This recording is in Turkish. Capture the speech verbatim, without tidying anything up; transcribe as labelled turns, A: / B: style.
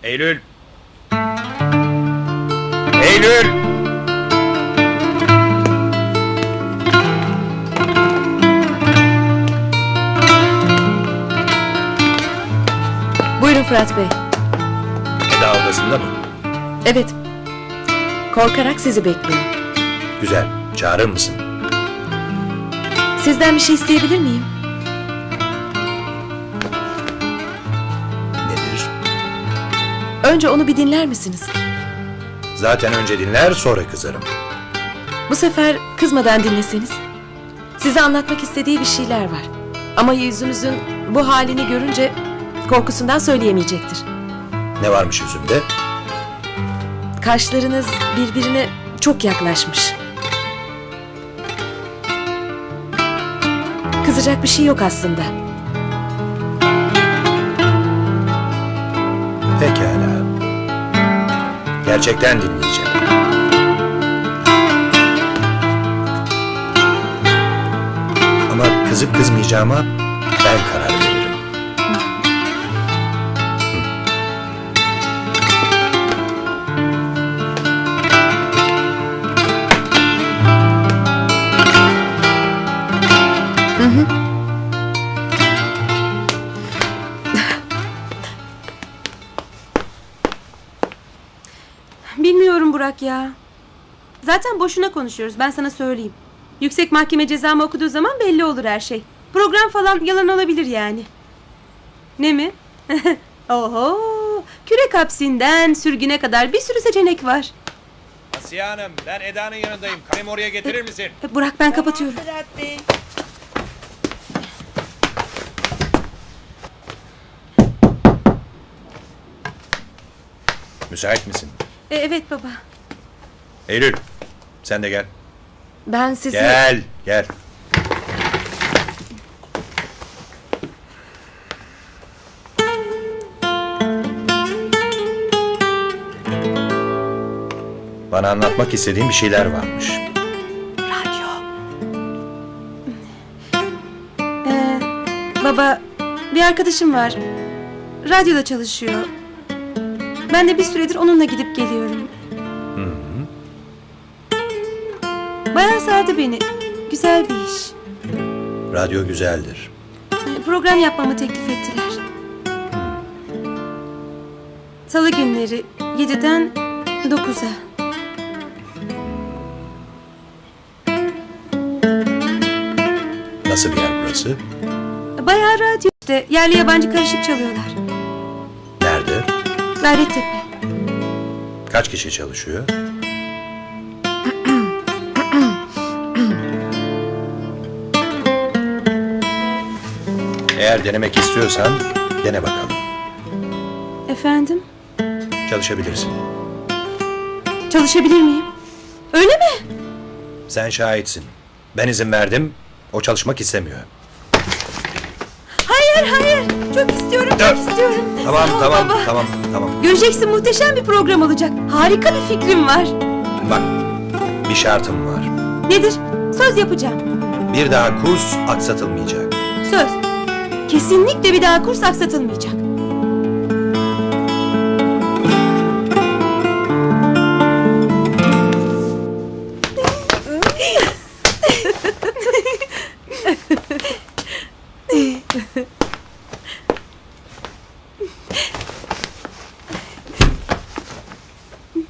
A: Eylül! Eylül!
B: Buyurun Fırat Bey.
A: Eda odasında mı?
B: Evet. Korkarak sizi bekliyor.
A: Güzel. Çağırır mısın?
B: Sizden bir şey isteyebilir miyim?
A: Nedir?
B: Önce onu bir dinler misiniz?
A: Zaten önce dinler, sonra kızarım.
B: Bu sefer kızmadan dinleseniz. Size anlatmak istediği bir şeyler var. Ama yüzünüzün bu halini görünce korkusundan söyleyemeyecektir.
A: Ne varmış yüzümde?
B: Kaşlarınız birbirine çok yaklaşmış. Kızacak bir şey yok aslında.
A: Pekala. Gerçekten dinleyeceğim. Ama kızıp kızmayacağıma ben karar veririm.
C: Bilmiyorum Burak ya. Zaten boşuna konuşuyoruz, ben sana söyleyeyim. Yüksek mahkeme cezamı okuduğu zaman belli olur her şey. Program falan yalan olabilir yani. Ne mi? Oho! Kürek hapsinden sürgüne kadar bir sürü seçenek var.
D: Asiye Hanım, ben Eda'nın yanındayım. Kalemi oraya getirir misin?
C: E, Burak ben kapatıyorum.
A: Müsait misin?
C: E, evet baba.
A: Eylül, sen de gel.
B: Ben sizi...
A: Gel, gel. Bana anlatmak istediğin bir şeyler varmış.
C: Radyo. Ee, baba, bir arkadaşım var. Radyoda çalışıyor. Ben de bir süredir onunla gidip geliyorum. Bayağı sardı beni. Güzel bir iş.
A: Radyo güzeldir.
C: Ee, Program yapmamı teklif ettiler. Salı günleri yediden dokuza.
A: Nasıl bir yer burası?
C: Bayağı radyo işte. Yerli yabancı karışık çalıyorlar.
A: Nerede?
C: Gayrettepe.
A: Kaç kişi çalışıyor? Eğer denemek istiyorsan dene bakalım.
C: Efendim?
A: Çalışabilirsin.
C: Çalışabilir miyim? Öyle mi?
A: Sen şahitsin. Ben izin verdim. O çalışmak istemiyor.
C: Hayır hayır. Çok istiyorum
A: Dur.
C: çok istiyorum.
A: Tamam
C: Sağ ol
A: tamam
C: baba.
A: tamam tamam.
C: Göreceksin, muhteşem bir program olacak. Harika bir fikrim var.
A: Bak, bir şartım var.
C: Nedir? Söz yapacağım.
A: Bir daha kurs aksatılmayacak.
C: Söz. Kesinlikle bir daha kurs aksatılmayacak.